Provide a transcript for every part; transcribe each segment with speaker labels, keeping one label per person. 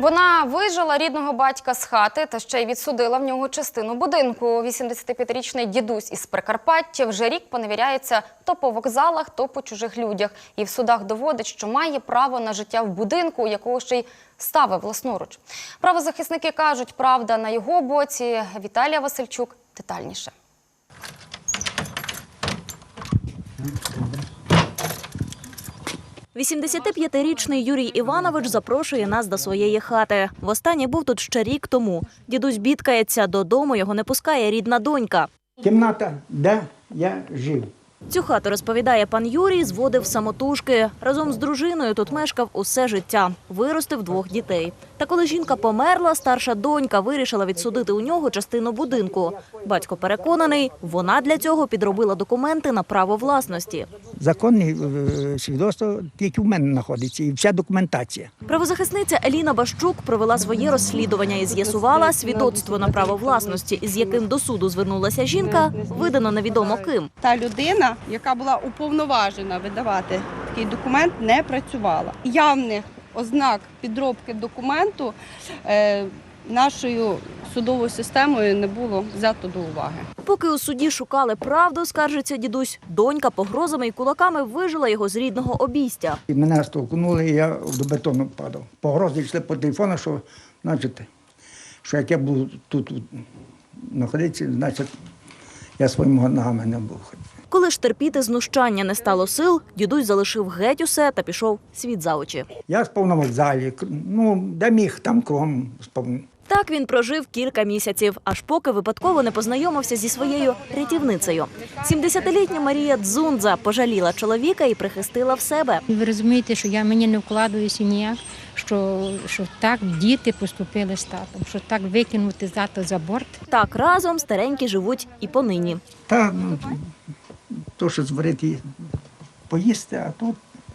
Speaker 1: Вона вижила рідного батька з хати та ще й відсудила в нього частину будинку. 85-річний дідусь із Прикарпаття вже рік поневіряється то по вокзалах, то по чужих людях. І в судах доводить, що має право на життя в будинку, якого ще й ставив власноруч. Правозахисники кажуть, правда на його боці. Віталія Васильчук детальніше. –
Speaker 2: 85-річний Юрій Іванович запрошує нас до своєї хати. Востаннє був тут ще рік тому. Дідусь бідкається, додому його не пускає рідна донька.
Speaker 3: Кімната, де я жив.
Speaker 2: Цю хату, розповідає пан Юрій, зводив самотужки. Разом з дружиною тут мешкав усе життя. Виростив 2 дітей. Та коли жінка померла, старша донька вирішила відсудити у нього частину будинку. Батько переконаний, вона для цього підробила документи на право власності.
Speaker 3: Законне свідоцтво тільки в мене знаходиться і вся документація.
Speaker 2: Правозахисниця Еліна Бащук провела своє розслідування і з'ясувала, свідоцтво на право власності, із яким до суду звернулася жінка, видано невідомо ким.
Speaker 4: Та людина, яка була уповноважена видавати такий документ, не працювала. Явних ознак підробки документу нашою судовою системою не було взято до уваги.
Speaker 2: Поки у суді шукали правду, скаржиться дідусь, донька погрозами і кулаками вижила його з рідного обійстя.
Speaker 3: І мене стовкнули, і я до бетону падав. Погрози йшли по телефону, що, значить, що як я буду тут знаходитися, значить, я своїми ногами не буду ходити.
Speaker 2: Коли ж терпіти знущання не стало сил, дідусь залишив геть усе та пішов світ за очі.
Speaker 3: Я спав на вокзалі, де міг, там кругом спав.
Speaker 2: Так він прожив кілька місяців, аж поки випадково не познайомився зі своєю рятівницею. 70-літня Марія Дзундза пожаліла чоловіка і прихистила в себе.
Speaker 5: Ви розумієте, що мені не вкладаюся ніяк, що так діти поступили з татом, що так викинути тата за борт.
Speaker 2: Так разом старенькі живуть і понині.
Speaker 3: Та, то, що зварити, поїсти, а тут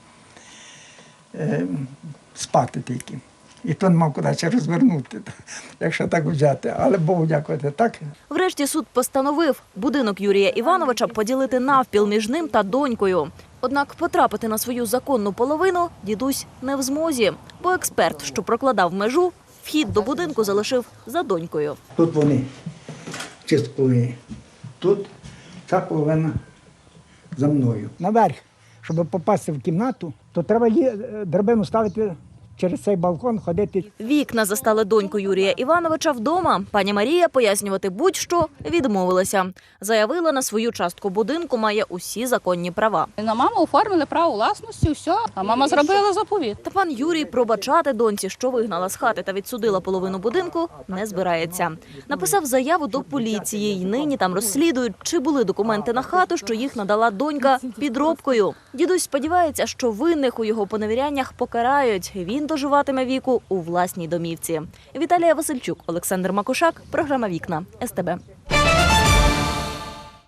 Speaker 3: спати тільки. І то не мав кудись розвернути, якщо так взяти. Але Богу дякувати, так.
Speaker 2: Врешті суд постановив будинок Юрія Івановича поділити навпіл між ним та донькою. Однак потрапити на свою законну половину дідусь не в змозі, бо експерт, що прокладав межу, вхід до будинку залишив за донькою.
Speaker 3: Тут вони чисто повинні. Тут ця половина за мною. Наверх, щоб попасти в кімнату, то треба драбину ставити через цей балкон, ходити.
Speaker 2: Вікна застали доньку Юрія Івановича вдома. Пані Марія пояснювати будь-що відмовилася. Заявила, на свою частку будинку має усі законні права.
Speaker 6: На маму оформили право власності, все, а мама зробила заповіт.
Speaker 2: Та пан Юрій пробачати доньці, що вигнала з хати та відсудила половину будинку, не збирається. Написав заяву до поліції, і нині там розслідують, чи були документи на хату, що їх надала донька підробкою. Дідусь сподівається, що винних у його поневіряннях покарають. Він доживатиме віку у власній домівці. Віталія Васильчук, Олександр Макушак, програма «Вікна», СТБ.